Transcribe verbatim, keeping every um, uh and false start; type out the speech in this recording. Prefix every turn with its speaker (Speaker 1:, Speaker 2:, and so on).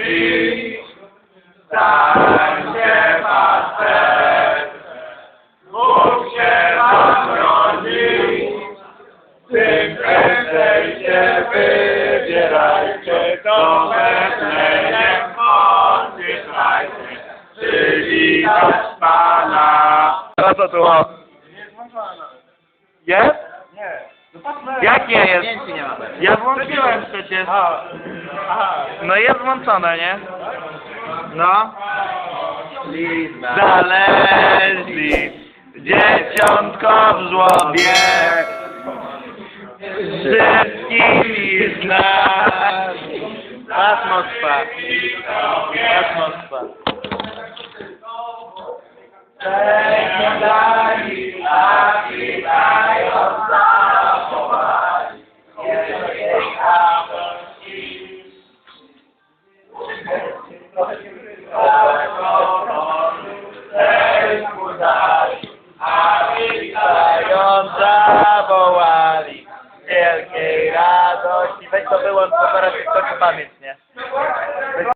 Speaker 1: rodzi, stańcie pasterz, Bóg się wam rodzi, tym prędzej się wybierajcie, do Betlejem oddychajcie, przywitać Pana.
Speaker 2: A co tu? o? Jest?
Speaker 1: Nie.
Speaker 2: Jak nie jest?
Speaker 3: Zdjęci nie ma.
Speaker 2: Ja włączyłem przecież.
Speaker 1: Aha. Aha.
Speaker 2: No jest włączone, nie? No.
Speaker 3: Lizna.
Speaker 2: Znaleźli dzieciątko w żłobie, wszystkimi z nas. Atmosfa. Atmosfa.
Speaker 1: Przeglądali, a witają zachowali, wielkiej radości. Sercu dali, a witają
Speaker 2: Zawołali wielkiej radości. Weź to wyłącz, bo teraz się skończy pamięć.